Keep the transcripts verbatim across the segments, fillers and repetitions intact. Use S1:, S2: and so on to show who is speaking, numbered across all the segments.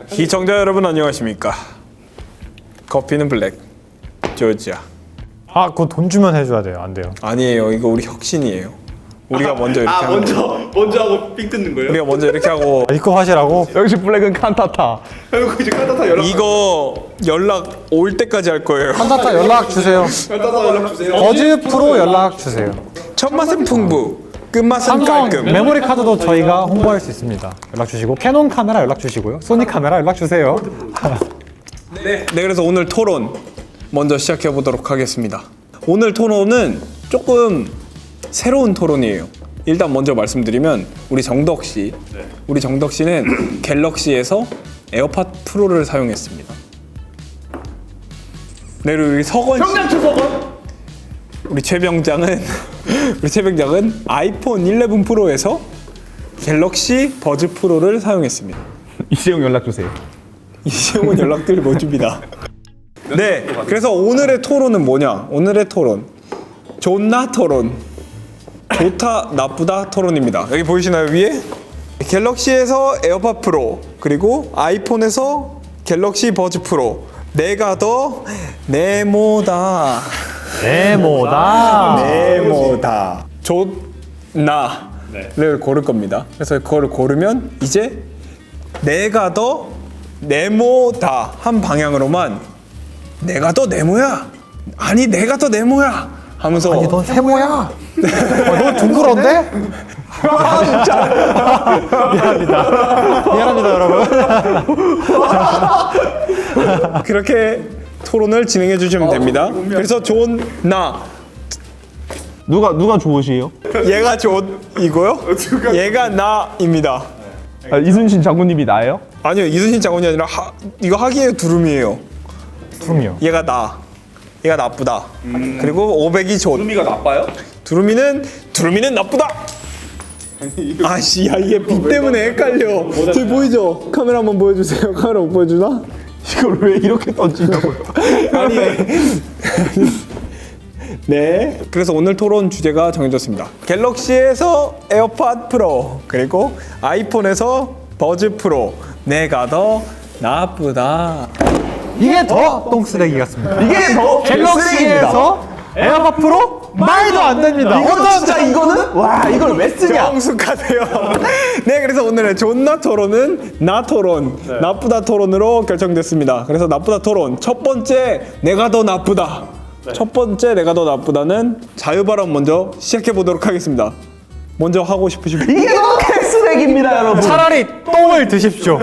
S1: 시청자 여러분 안녕하십니까. 커피는 블랙 조지야.
S2: 아, 그거 돈 주면 해줘야 돼요. 안 돼요.
S1: 아니에요, 이거 우리 혁신이에요. 우리가 먼저 이렇게
S3: 아
S1: 하는
S3: 먼저
S1: 거예요.
S3: 먼저 하고 삑 뜯는 거예요?
S1: 우리가 먼저 이렇게 하고
S2: 아, 이거 하시라고?
S4: 역시 블랙은 칸타타.
S3: 그리고 이제 칸타타 연락
S1: 이거 연락 올 때까지 할 거예요.
S2: 칸타타 연락 주세요.
S3: 칸타타 연락 주세요.
S2: 버즈 프로 연락 주세요.
S1: 첫 맛은 풍부, 끝맛은
S2: 삼성
S1: 깔끔.
S2: 메모리 카드도 저희가 홍보할 수 있습니다. 연락 주시고 캐논 카메라 연락 주시고요. 소니 카메라 연락 주세요.
S1: 네, 그래서 오늘 토론 먼저 시작해 보도록 하겠습니다. 오늘 토론은 조금 새로운 토론이에요. 일단 먼저 말씀드리면 우리 정덕 씨, 우리 정덕 씨는 갤럭시에서 에어팟 프로를 사용했습니다. 네, 그리고 우리 서건 씨,
S3: 평양 초석은
S1: 우리 최병장은 우리 최병장은 아이폰 십일 프로에서 갤럭시 버즈 프로를 사용했습니다.
S4: 이재용 연락 주세요.
S1: 이재용은 연락드릴 못 줍니다. 네, 그래서 오늘의 토론은 뭐냐? 오늘의 토론, 좋나 토론, 좋다 나쁘다 토론입니다. 여기 보이시나요, 위에? 갤럭시에서 에어팟 프로, 그리고 아이폰에서 갤럭시 버즈 프로, 내가 더 네모다.
S2: 네모다.
S1: 네모다. 좋나를 고를 겁니다. 그래서 그거를 고르면 이제 내가 더 네모다 한 방향으로만 내가 더 네모야. 아니 내가 더 네모야 하면서
S2: 아니 넌 세모야. 어, 너 둥그런데? 미안합니다. 미안합니다 여러분.
S1: 그렇게 토론을 진행해 주시면 됩니다. 그래서 좋나
S4: 누가 누가 좋으시요?
S1: 얘가 좋이고요. 얘가 나입니다.
S4: 아, 이순신 장군님이 나예요?
S1: 아니요, 이순신 장군이 아니라 하, 이거 하기의 두rum이에요.
S2: 두rum이요.
S1: 얘가 나, 얘가 나쁘다. 그리고 오백이 좋.
S3: 두루미가 나빠요?
S1: 두루미는 두루미는 나쁘다. 아씨, 야 이게 빛 때문에 헷갈려. 저기 보이죠? 카메라 한번 보여주세요. 카메라 못 보여주나?
S4: 이걸 왜 이렇게 던지냐고요?
S1: 아니. 네. 그래서 오늘 토론 주제가 정해졌습니다. 갤럭시에서 에어팟 프로, 그리고 아이폰에서 버즈 프로. 내가 더 나쁘다.
S2: 이게 더 똥쓰레기 같습니다.
S4: 이게 더
S2: 갤럭시에서 에어팟 프로? 말도 안 됩니다.
S4: 이거 진짜 이거는 와 이걸 왜 쓰냐?
S1: 정숙하세요. 네, 그래서 오늘의 존나 토론은 나 토론, 나쁘다 토론으로 결정됐습니다. 그래서 나쁘다 토론 첫 번째, 내가 더 나쁘다. 첫 번째, 내가 더 나쁘다는 자유 발언 먼저 시작해 보도록 하겠습니다. 먼저 하고 싶으신 분?
S4: 이게 너무 개쓰레기입니다, 여러분.
S2: 차라리 똥을 드십시오.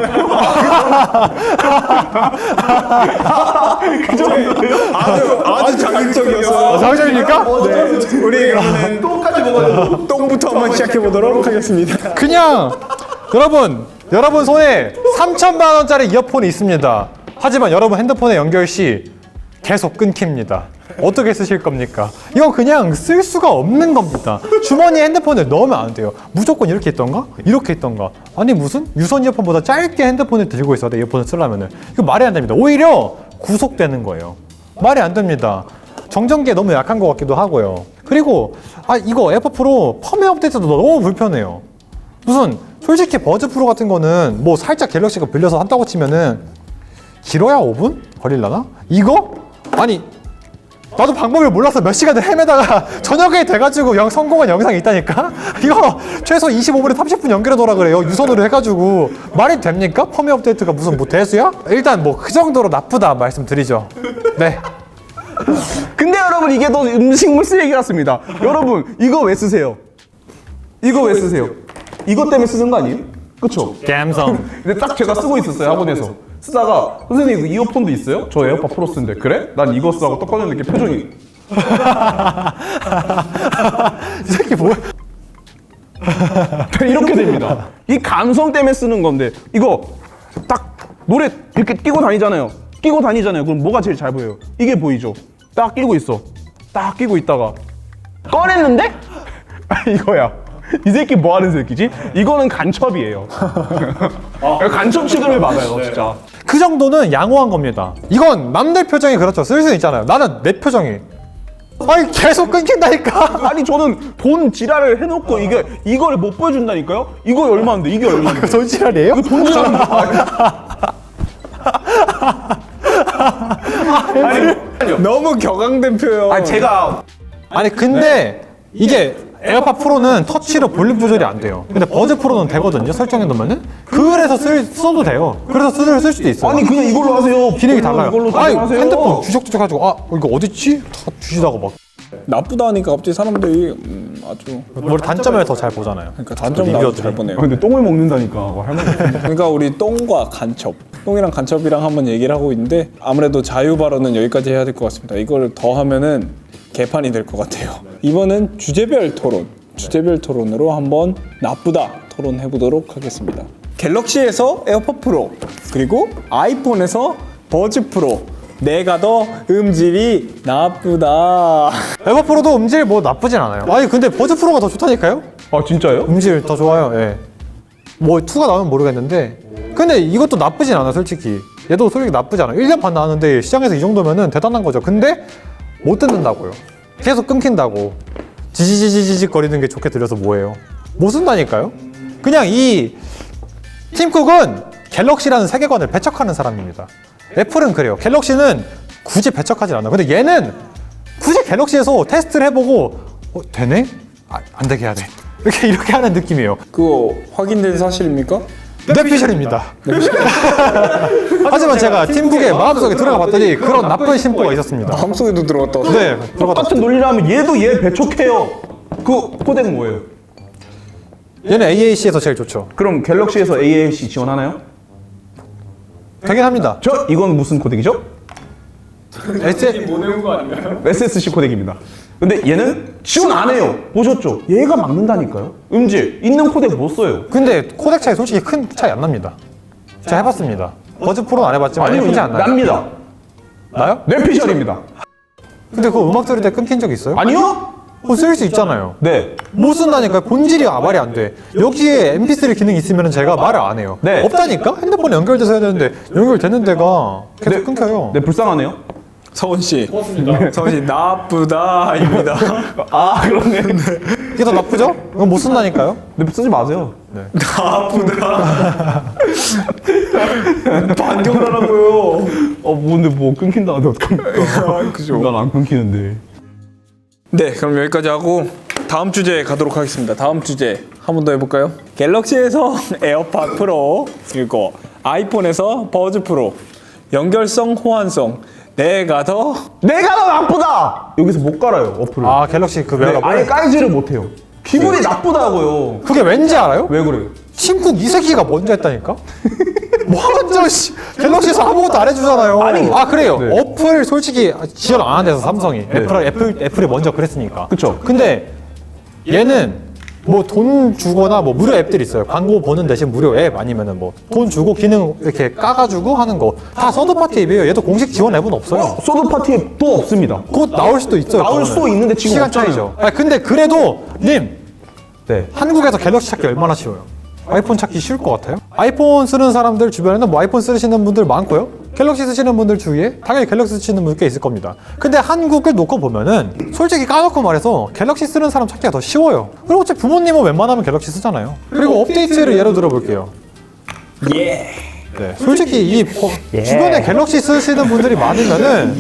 S1: 아주 아주 자극적이었어요.
S2: 자극적입니까?
S1: 네, 우리 그러면 똥까지 먹어요. 똥부터 한번 시작해 보도록 하겠습니다.
S2: 그냥 여러분 여러분 손에 삼천만 원짜리 이어폰이 있습니다. 하지만 여러분 핸드폰에 연결 시 계속 끊깁니다. 어떻게 쓰실 겁니까? 이건 그냥 쓸 수가 없는 겁니다. 주머니에 핸드폰을 넣으면 안 돼요. 무조건 이렇게 있던가? 이렇게 있던가? 아니 무슨? 유선 이어폰보다 짧게 핸드폰을 들고 있어야 돼, 이어폰을 쓰려면은. 이거 말이 안 됩니다. 오히려 구속되는 거예요. 말이 안 됩니다. 정전기에 너무 약한 것 같기도 하고요. 그리고 아 이거 에어팟 프로 펌웨어 업데이트도 너무 불편해요. 무슨 솔직히 버즈 프로 같은 거는 뭐 살짝 갤럭시가 빌려서 한다고 치면은 길어야 오 분? 걸릴라나? 이거? 아니 나도 방법을 몰라서 몇 시간을 헤매다가 저녁에 돼가지고 영 성공한 영상이 있다니까? 이거 최소 이십오 분에 삼십 분 연결해 놓으라 그래요. 유선으로 해가지고. 말이 됩니까? 펌웨어 업데이트가 무슨 뭐 대수야? 일단 뭐 그 정도로 나쁘다 말씀드리죠. 네.
S4: 근데 여러분 이게 더 음식물 쓰레기 같습니다. 여러분 이거 왜 쓰세요? 이거 왜 쓰세요? 이것 때문에 쓰는 거 아니에요? 그쵸?
S2: 감성.
S4: 근데 딱 제가 쓰고 있었어요, 학원에서. 쓰다가 선생님 그 이어폰도 있어요? 저 에어팟 프로 쓰는데. 그래? 난 이거 쓰라고 떡 꺼냈는데 이렇게 표정이
S2: 이 새끼 뭐야?
S4: 이렇게 됩니다. 이 감성 때문에 쓰는 건데 이거 딱 노래 이렇게 끼고 다니잖아요. 끼고 다니잖아요. 그럼 뭐가 제일 잘 보여요? 이게 보이죠? 딱 끼고 있어. 딱 끼고 있다가 꺼냈는데? 이거야. 이 새끼 뭐 하는 새끼지? 이거는 간첩이에요. 간첩 취급을 받아요, 진짜.
S2: 그 정도는 양호한 겁니다. 이건 남들 표정이 그렇죠. 쓸 수 있잖아요. 나는 내 표정이. 아니 계속 끊긴다니까.
S4: 아니 저는 돈 지랄을 해놓고 이게 이걸 못 보여준다니까요? 이거 얼마인데? 이게 얼마인데?
S2: 돈지랄이에요?
S4: 이거 돈 지랄인데?
S1: 너무 격앙된 표현.
S4: 아니 제가
S2: 아니 근데 이게 에어팟 프로는 터치로 볼륨 조절이 안 돼요. 근데 버즈 프로는 되거든요. 설정해 놓으면은. 그래서 쓸, 써도 돼요. 그래서 쓸, 쓸 수도 있어요.
S4: 아니 그냥 이걸로 하세요.
S2: 기능이 달라요.
S4: 이걸로
S2: 아니
S4: 사용하세요.
S2: 핸드폰 주적주적 가지고 아 이거 어딨지? 다 주시다가 막
S1: 나쁘다 하니까 갑자기 사람들이 음, 아주
S2: 우리 단점을 더 잘 보잖아요.
S1: 그러니까 단점 나도 잘 보네요.
S4: 아, 근데 똥을 먹는다니까. 뭐 할 말이 없네.
S1: 그러니까 우리 똥과 간첩, 똥이랑 간첩이랑 한번 얘기를 하고 있는데 아무래도 자유 발언은 여기까지 해야 될 것 같습니다. 이걸 더 하면은 개판이 될 것 같아요. 이번은 주제별 토론, 주제별 토론으로 한번 나쁘다 토론해 보도록 하겠습니다. 갤럭시에서 에어팟 프로 그리고 아이폰에서 버즈 프로 내가 더 음질이 나쁘다.
S2: 에어팟 프로도 음질 뭐 나쁘진 않아요. 아니 근데 버즈 프로가 더 좋다니까요?
S4: 아 진짜요?
S2: 음질 더 좋아요. 예. 뭐 이가 나오면 모르겠는데 근데 이것도 나쁘진 않아 솔직히. 얘도 솔직히 나쁘지 않아. 일 년 반 나왔는데 시장에서 이 정도면은 대단한 거죠. 근데 못 듣는다고요. 계속 끊긴다고. 지지지지직 거리는 게 좋게 들려서 뭐예요? 못 쓴다니까요? 그냥 이 팀쿡은 갤럭시라는 세계관을 배척하는 사람입니다. 애플은 그래요. 갤럭시는 굳이 배척하지 않아. 근데 얘는 굳이 갤럭시에서 테스트를 해보고 어, 되네? 아, 안 되게 해야 돼. 이렇게 이렇게 하는 느낌이에요.
S1: 그거 확인된 사실입니까?
S2: 뇌피셜입니다. 하지만 제가 팀북의 마음속에 들어가 봤더니 그런 나쁜 심보가 있었습니다.
S1: 마음속에도 들어갔다.
S2: 네, 들어갔다.
S4: 똑같은 논리라면 얘도 얘 배척해요. 그 코덱은 뭐예요?
S2: 얘는 에이에이씨에서 제일 좋죠.
S4: 그럼 갤럭시에서 에이에이씨 지원하나요?
S2: 되긴 합니다.
S4: 저 이건 무슨 코덱이죠?
S2: 에스...
S3: 보내는 거 아닌가요?
S4: 에스에스씨 코덱입니다. 근데 얘는 지원 안 해요. 보셨죠? 얘가 막는다니까요. 음질 있는 코덱 못 써요.
S2: 근데 코덱 차이 솔직히 큰 차이 안 납니다. 제가 해봤습니다. 버즈 프로는 안 해봤지만
S4: 아니요,
S2: 크지 않나요?
S4: 납니다.
S2: 나요?
S4: 뇌피셜입니다.
S2: 근데 그거 음악 들을 때 끊긴 적 있어요?
S4: 아니요?
S2: 그거 쓸 수 있잖아요.
S4: 네.
S2: 못 쓴다니까요. 본질이 말이 안 돼. 여기에 엠피쓰리 기능이 있으면 제가 말을 안 해요.
S4: 네.
S2: 없다니까? 핸드폰에 연결돼서 해야 되는데 연결되는 데가 계속
S4: 네.
S2: 끊겨요.
S4: 네, 불쌍하네요.
S1: 서원 씨, 서원 씨 나쁘다입니다.
S4: 아, 그러네.
S2: 이게 더 나쁘죠? 이건 못 쓴다니까요?
S4: 네, 쓰지 마세요.
S1: 나쁘다. 반격을 하라고요.
S4: 어, 근데 뭐 끊긴다는데 어떡합니까?
S1: 그죠.
S4: 난 안 끊기는데.
S1: 네, 그럼 여기까지 하고 다음 주제 가도록 하겠습니다. 다음 주제 한 번 더 해볼까요? 갤럭시에서 에어팟 프로 그리고 아이폰에서 버즈 프로 연결성, 호환성 내가 더
S4: 내가 더 나쁘다! 여기서 못 깔아요, 어플을.
S2: 아 갤럭시 그
S4: 네,
S2: 웨어러블?
S4: 아예 깔지를 못해요. 기분이 나쁘다고요.
S2: 그게 왠지 알아요?
S4: 왜 그래요?
S2: 팀쿡 이 새끼가 먼저 했다니까? 먼저 씨, 갤럭시에서 아무것도 안 해주잖아요.
S4: 아니,
S2: 아 그래요.
S4: 네.
S2: 어플 솔직히 지원 안 한대서 삼성이 애플 애플 애플이 먼저 그랬으니까.
S4: 그쵸.
S2: 근데 얘는 뭐 돈 주거나 뭐 무료 앱들 있어요. 광고 보는 대신 무료 앱 아니면은 뭐 돈 주고 기능 이렇게 까가지고 하는 거 다 서드 파티 앱이에요. 얘도 공식 지원 앱은 없어요.
S4: 소드 파티에 또 없습니다.
S2: 곧 나올 수도 있어요.
S4: 나올
S2: 그거는.
S4: 수도 있는데 지금
S2: 시간
S4: 없잖아요.
S2: 차이죠. 아 근데 그래도 님
S4: 네.
S2: 한국에서 갤럭시 찾기 얼마나 쉬워요? 아이폰 찾기 쉬울 것 같아요? 아이폰 쓰는 사람들 주변에는 뭐 아이폰 쓰시는 분들 많고요. 갤럭시 쓰시는 분들 주위에 당연히 갤럭시 쓰시는 분들 꽤 있을 겁니다. 근데 한국을 놓고 보면은 솔직히 까놓고 말해서 갤럭시 쓰는 사람 찾기가 더 쉬워요. 그리고 어차피 부모님은 웬만하면 갤럭시 쓰잖아요. 그리고 업데이트를 예로 들어볼게요.
S1: 예.
S2: 네, 솔직히 이 버- 주변에 갤럭시 쓰시는 분들이 많으면은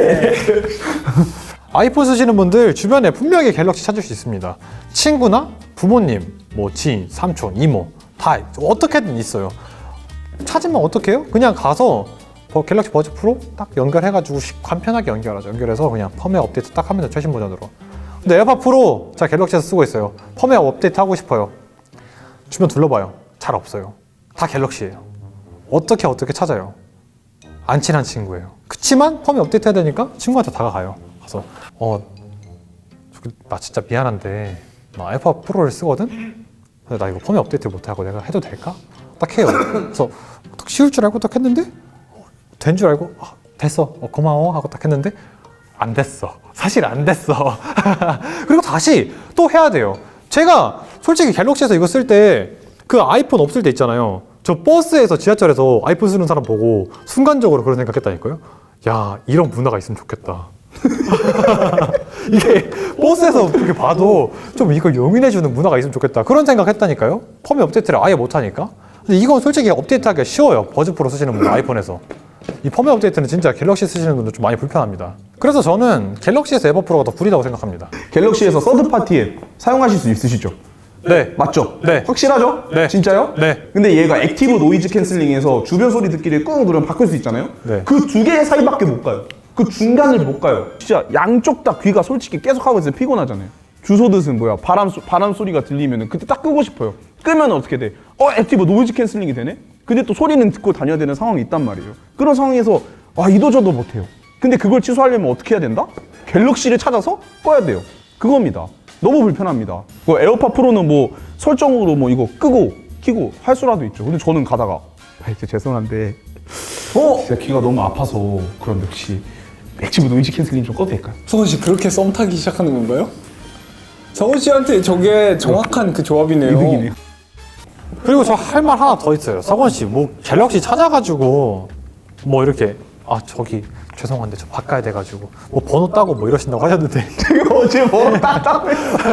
S2: 아이폰 쓰시는 분들 주변에 분명히 갤럭시 찾을 수 있습니다. 친구나 부모님, 뭐 지인, 삼촌, 이모 다 어떻게든 있어요. 찾으면 어떡해요? 그냥 가서 버- 갤럭시 버즈 프로 딱 연결해가지고 시- 간편하게 연결하죠. 연결해서 그냥 펌웨어 업데이트 딱 하면 돼요. 최신 버전으로. 근데 에어팟 프로 제가 갤럭시에서 쓰고 있어요. 펌웨어 업데이트 하고 싶어요. 주변 둘러봐요. 잘 없어요. 다 갤럭시예요. 어떻게 어떻게 찾아요? 안 친한 친구예요. 그치만 펌웨어 업데이트 해야 되니까 친구한테 다가가요. 가서 어, 저기 나 진짜 미안한데 나 에어팟 프로를 쓰거든? 근데 나 이거 펌웨어 업데이트 못하고 내가 해도 될까? 딱 해요. 그래서 딱 쉬울 줄 알고 딱 했는데 된 줄 알고 아, 됐어 어, 고마워 하고 딱 했는데 안 됐어. 사실 안 됐어. 그리고 다시 또 해야 돼요. 제가 솔직히 갤럭시에서 이거 쓸 때 그 아이폰 없을 때 있잖아요. 저 버스에서 지하철에서 아이폰 쓰는 사람 보고 순간적으로 그런 생각했다니까요. 야 이런 문화가 있으면 좋겠다. 이게 버스에서 그렇게 봐도 좀 이걸 용인해주는 문화가 있으면 좋겠다. 그런 생각했다니까요. 펌웨어 업데이트를 아예 못하니까. 근데 이건 솔직히 업데이트하기가 쉬워요. 버즈 프로 쓰시는 분들 아이폰에서. 이 펌웨어 업데이트는 진짜 갤럭시 쓰시는 분들 좀 많이 불편합니다. 그래서 저는 갤럭시에서 에버프로가 더 구리다고 생각합니다.
S4: 갤럭시에서 서드 파티 앱 사용하실 수 있으시죠?
S2: 네.
S4: 맞죠?
S2: 네.
S4: 확실하죠?
S2: 네.
S4: 진짜요?
S2: 네.
S4: 근데 얘가 액티브 노이즈 캔슬링에서 주변 소리 듣기를 꾹 누르면 바꿀 수 있잖아요?
S2: 네.
S4: 그 두 개 사이밖에 못 가요. 그 중간을 못 가요. 진짜 양쪽 다 귀가 솔직히 계속 하고 있으면 피곤하잖아요. 주소듯은 뭐야? 바람, 소, 바람 소리가 들리면 그때 딱 끄고 싶어요. 끄면 어떻게 돼? 어, 액티브 노이즈 캔슬링이 되네? 근데 또 소리는 듣고 다녀야 되는 상황이 있단 말이에요. 그런 상황에서 아, 이도저도 못해요. 근데 그걸 취소하려면 어떻게 해야 된다? 갤럭시를 찾아서 꺼야 돼요. 그겁니다. 너무 불편합니다. 뭐 에어팟 프로는 뭐 설정으로 뭐 이거 끄고 켜고 할 수라도 있죠. 근데 저는 가다가 아, 이제 죄송한데 어? 진짜 귀가 너무 아파서 그럼 역시 액티브 노이즈 캔슬링 좀 꺼도 될까요?
S1: 성원 씨 그렇게 썸 타기 시작하는 건가요? 성원 씨한테 저게 정확한 그 조합이네요.
S4: 이득이네요.
S2: 그리고 저 할 말 하나 더 있어요. 서건 씨, 뭐 갤럭시 찾아가지고 뭐 이렇게 아 저기 죄송한데 저 바꿔야 돼가지고 뭐 번호 따고 뭐 이러신다고 하셨는데
S4: 제가 어제 뭐 따따고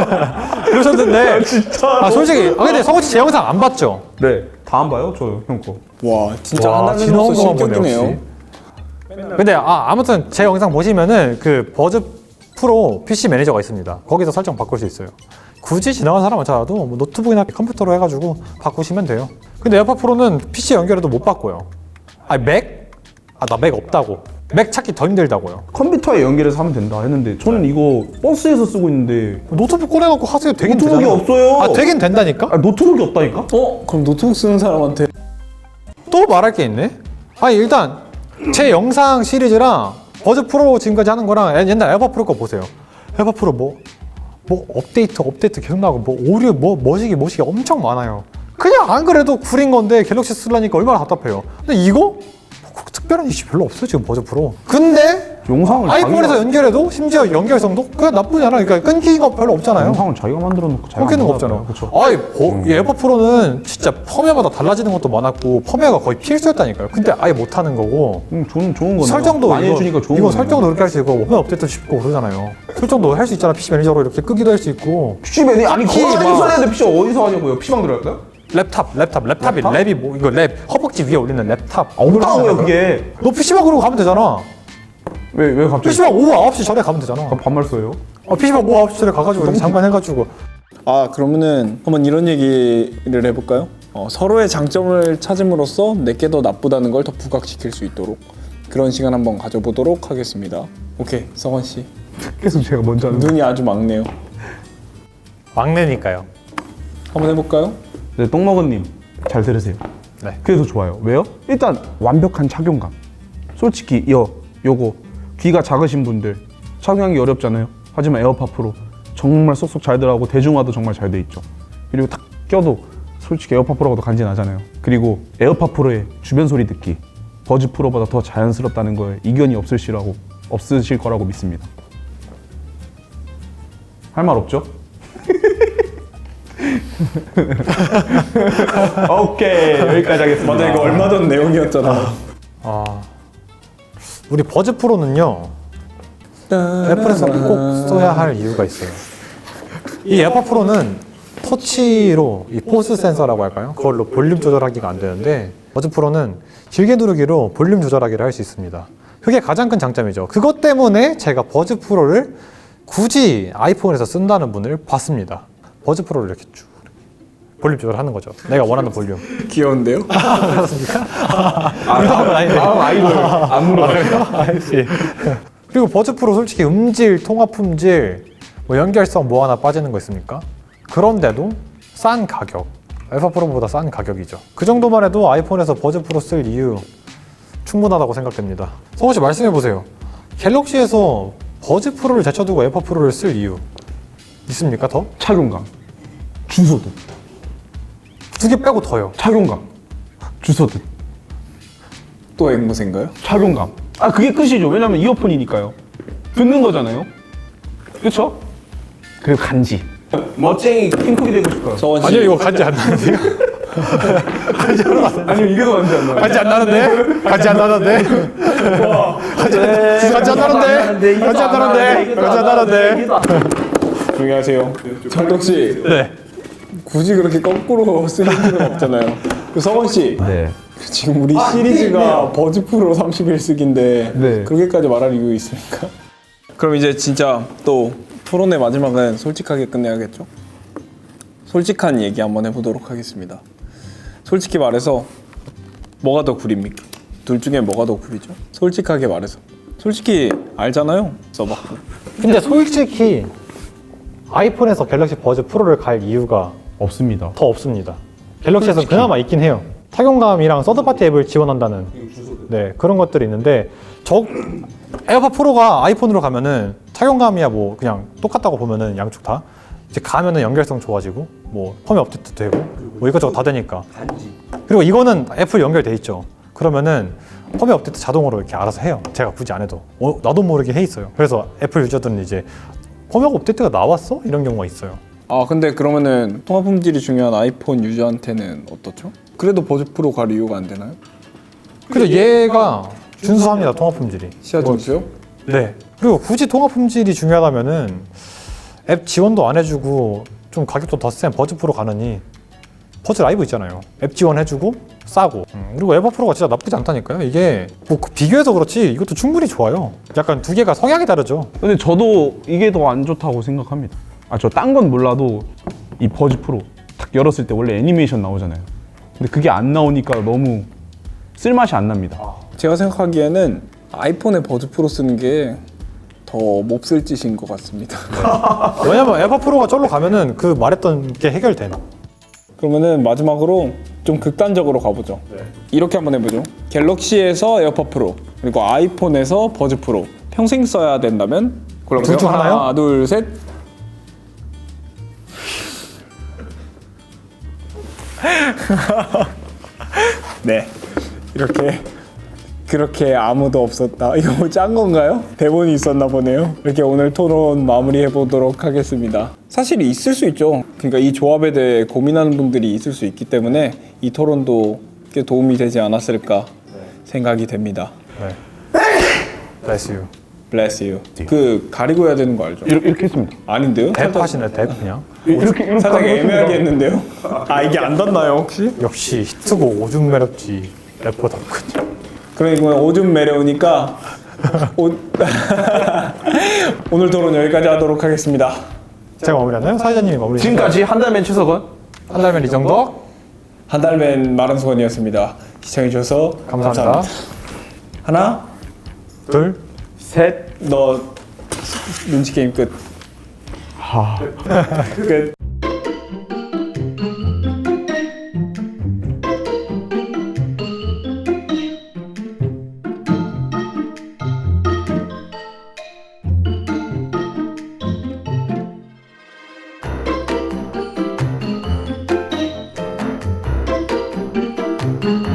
S2: 그러셨는데
S4: 진짜.
S2: 아 솔직히 아 근데 서건 씨 제 영상 안 봤죠?
S4: 네, 다 안 봐요, 저 형 거.
S1: 와 진짜
S2: 와,
S1: 하나는
S2: 지나온
S1: 없어
S2: 것만 보네,
S1: 실격이네요.
S2: 역시. 근데 아 아무튼 제 영상 보시면은 그 버즈 프로 피씨 매니저가 있습니다. 거기서 설정 바꿀 수 있어요. 굳이 지나간 사람 많잖아도 뭐 노트북이나 컴퓨터로 해가지고 바꾸시면 돼요. 근데 에어팟 프로는 피씨 연결해도 못 바꿔요. 아니 맥? 아 나 맥 없다고. 맥 찾기 더 힘들다고요.
S4: 컴퓨터에 연결해서 하면 된다 했는데 저는 이거 버스에서 쓰고 있는데
S2: 노트북 꺼내놓고 하세요. 되긴
S4: 노트북이
S2: 되잖아요.
S4: 없어요.
S2: 아 되긴 된다니까?
S4: 아, 노트북이 없다니까?
S1: 어? 그럼 노트북 쓰는 사람한테
S2: 또 말할 게 있네? 아니 일단 제 영상 시리즈랑 버즈 프로 지금까지 하는 거랑 옛- 옛날 에어팟 프로 거 보세요. 에어팟 프로 뭐, 뭐 업데이트 업데이트 계속 나오고 뭐 오류 뭐 뭐시기 뭐시기 엄청 많아요. 그냥 안 그래도 구린 건데 갤럭시 쓰려니까 얼마나 답답해요. 근데 이거? 뭐 특별한 이슈 별로 없어요 지금 버즈 프로. 근데
S4: 영상을
S2: 아이폰에서
S4: 자기가-
S2: 연결해도 심지어 연결성도 그냥 나쁘지 않아. 그러니까 끊기는 거 별로 없잖아요.
S4: 영상을 자기가 만들어 놓고 자기가
S2: 끊기는 거
S4: 만들었잖아요.
S2: 없잖아.
S4: 그렇죠.
S2: 아이, 버, 이 에어팟 프로는 진짜 펌웨어마다 달라지는 것도 많았고 펌웨어가 거의 필수였다니까요. 근데 아예 못하는 거고
S4: 음, 좋은 좋은 거네.
S2: 설정도
S4: 많이
S2: 이거,
S4: 해주니까 좋은
S2: 이거
S4: 거네.
S2: 설정도 그렇게 할 수 있고 펌웨어 업데이트 쉽고 그러잖아요. 설정도 할 수 있잖아. 피씨 매니저로 이렇게 끄기도 할 수 있고
S4: 피씨맨이 아니
S2: 키
S4: 거기
S2: 막-
S4: 써야 돼. 피씨 어디서 하냐고요? 피씨방 들어갈까요?
S2: 랩탑, 랩탑, 랩탑이
S4: 랩탑?
S2: 랩이 뭐 이거 랩 허벅지 위에 올리는 랩탑.
S4: 없다고요 그게.
S2: 너 피씨방 그러고 가면 되잖아.
S4: 왜 왜 갑자기
S2: 피씨방 오후 아홉 시 전에 가면 되잖아.
S4: 반말 써요?
S2: 어, 피씨방 오후 아홉 시 전에 가가지고 이렇게 잠깐 해가지고
S1: 아 그러면은 한번 이런 얘기를 해볼까요? 어, 서로의 장점을 찾음으로써 내게 더 나쁘다는 걸 더 부각시킬 수 있도록 그런 시간 한번 가져보도록 하겠습니다. 오케이 성원 씨
S4: 계속 제가 먼저 하는.
S1: 눈이 아주 막네요.
S2: 막내니까요.
S1: 한번 해볼까요?
S4: 네, 똥먹은님 잘 들으세요.
S2: 네.
S4: 그래서 좋아요. 왜요? 일단 완벽한 착용감. 솔직히 여 요거 귀가 작으신 분들 착용하기 어렵잖아요. 하지만 에어팟 프로 정말 쏙쏙 잘 들어가고 대중화도 정말 잘 돼 있죠. 그리고 딱 껴도 솔직히 에어팟 프로가 더 간지나잖아요. 그리고 에어팟 프로의 주변 소리 듣기 버즈 프로보다 더 자연스럽다는 거에 이견이 없으시라고 없으실 거라고 믿습니다. 할 말 없죠? 오케이 여기까지 하겠습니다.
S1: 맞아 이거 얼마 전 내용이었잖아.
S2: 아 우리 버즈 프로는요 애플에서 꼭 써야 할 이유가 있어요. 이 에어팟 프로는 터치로 이 포스 센서라고 할까요? 그걸로 볼륨 조절하기가 안 되는데 버즈 프로는 길게 누르기로 볼륨 조절하기를 할 수 있습니다. 그게 가장 큰 장점이죠. 그것 때문에 제가 버즈 프로를 굳이 아이폰에서 쓴다는 분을 봤습니다. 버즈 프로를 이렇게 쭉 볼륨 조절하는 거죠. 내가 원하는 볼륨.
S1: 귀여운데요?
S2: 의도하면 아니네.
S4: 아, 아이돌 안 물어봐요.
S2: 알지. 그리고 버즈 프로 솔직히 음질, 통합 품질, 뭐 연결성 뭐 하나 빠지는 거 있습니까? 그런데도 싼 가격. 알파 프로보다 싼 가격이죠. 그 정도만 해도 아이폰에서 버즈 프로 쓸 이유 충분하다고 생각됩니다. 성호 씨 말씀해 보세요. 갤럭시에서 버즈 프로를 제쳐두고 에어팟 프로를 쓸 이유 있습니까? 더?
S4: 착용감, 주소도,
S2: 두 개 빼고 더요.
S4: 착용감, 주소도,
S1: 또 앵무새인가요?
S4: 착용감. 아 그게 끝이죠. 왜냐면 이어폰이니까요. 듣는 거잖아요. 그렇죠? 그리고 간지. 멋쟁이 핑크이 되고 싶어요.
S1: 성원 씨
S2: 아니요 이거 간지 안 나는데요?
S4: 아니요 이게 더 간지 안 나요.
S2: 간지 안 나는데? 간지 안 나는데? 간지 안 나는데? 간지 안 나는데? 간지 안 나는데?
S1: 조용히 하세요. 정덕 씨
S2: 네.
S1: 굳이 그렇게 거꾸로 쓸 필요는 없잖아요. 그 성원 씨
S4: 네.
S1: 지금 우리 시리즈가 버즈 프로 삼십일 쓰기인데
S4: 네.
S1: 그렇게까지 말할 이유 있습니까? 그럼 이제 진짜 또 토론의 마지막은 솔직하게 끝내야겠죠? 솔직한 얘기 한번 해보도록 하겠습니다. 솔직히 말해서 뭐가 더 구립니까? 둘 중에 뭐가 더 구리죠? 솔직하게 말해서. 솔직히 알잖아요. 써봤고.
S2: 근데 솔직히 아이폰에서 갤럭시 버즈 프로를 갈 이유가
S4: 없습니다.
S2: 더 없습니다. 갤럭시에서 그나마 있긴 해요. 착용감이랑 서드파티 앱을 지원한다는 네 그런 것들이 있는데 저 에어팟 프로가 아이폰으로 가면은 착용감이야 뭐 그냥 똑같다고 보면은 양쪽 다 이제 가면은 연결성 좋아지고 뭐 펌웨어 업데이트 되고 뭐 이것저것 다 되니까 그리고 이거는 애플 연결돼 있죠. 그러면은 펌웨어 업데이트 자동으로 이렇게 알아서 해요. 제가 굳이 안 해도 어, 나도 모르게 해 있어요. 그래서 애플 유저들은 이제 펌웨어 업데이트가 나왔어? 이런 경우가 있어요.
S1: 아 근데 그러면은 통화 품질이 중요한 아이폰 유저한테는 어떻죠? 그래도 버즈 프로 갈 이유가 안 되나요?
S2: 그래서 얘가 준수합니다. 통화 품질이.
S1: 시야 준수요?
S2: 네. 그리고 굳이 통화 품질이 중요하다면은 앱 지원도 안 해주고 좀 가격도 더 센 버즈 프로 가느니 버즈 라이브 있잖아요. 앱 지원해주고 싸고 음, 그리고 에버 프로가 진짜 나쁘지 않다니까요. 이게 뭐 비교해서 그렇지 이것도 충분히 좋아요. 약간 두 개가 성향이 다르죠.
S4: 근데 저도 이게 더 안 좋다고 생각합니다. 아, 저 딴 건 몰라도 이 버즈 프로 딱 열었을 때 원래 애니메이션 나오잖아요. 근데 그게 안 나오니까 너무 쓸맛이 안 납니다.
S1: 제가 생각하기에는 아이폰에 버즈 프로 쓰는 게 더 몹쓸 짓인 것 같습니다.
S2: 왜냐면 에버 프로가 절로 가면은 그 말했던 게 해결되나.
S1: 그러면은 마지막으로 좀 극단적으로 가보죠. 이렇게 한번 해보죠. 갤럭시에서 에어팟 프로 그리고 아이폰에서 버즈 프로 평생 써야 된다면 골라보세요.
S2: 둘중 하나요?
S1: 하나, 둘, 셋. 네, 이렇게 그렇게 아무도 없었다. 이거 뭐 짠 건가요? 대본이 있었나 보네요. 이렇게 오늘 토론 마무리해 보도록 하겠습니다. 사실 있을 수 있죠. 그러니까 이 조합에 대해 고민하는 분들이 있을 수 있기 때문에 이 토론도 꽤 도움이 되지 않았을까 생각이 됩니다.
S2: 네. Bless you.
S1: Bless you. 그 가리고 해야 되는 거 알죠?
S4: 이렇게, 이렇게 했습니다.
S1: 아닌데요?
S2: 대 하시네 대 그냥.
S4: 이렇게 이렇게
S1: 살짝
S4: 하고
S1: 애매하게 했는데요? 아 이게 안 닿나요 혹시?
S2: 역시 히트고 오줌 매력지 래퍼 덕후지.
S1: 그러니까 오줌 매려우니까 오... 오늘 토론 여기까지 하도록 하겠습니다.
S2: 제가 마무리하나요? 사회자님이 마무리.
S4: 지금까지 한달맨 최석원.
S2: 한 달면 이 정도.
S1: 한 달맨 마른 소원이었습니다. 시청해주셔서
S2: 감사합니다.
S1: 감사합니다. 하나,
S2: 둘.
S4: 셋.
S1: 너 눈치 게임 끝. 끝.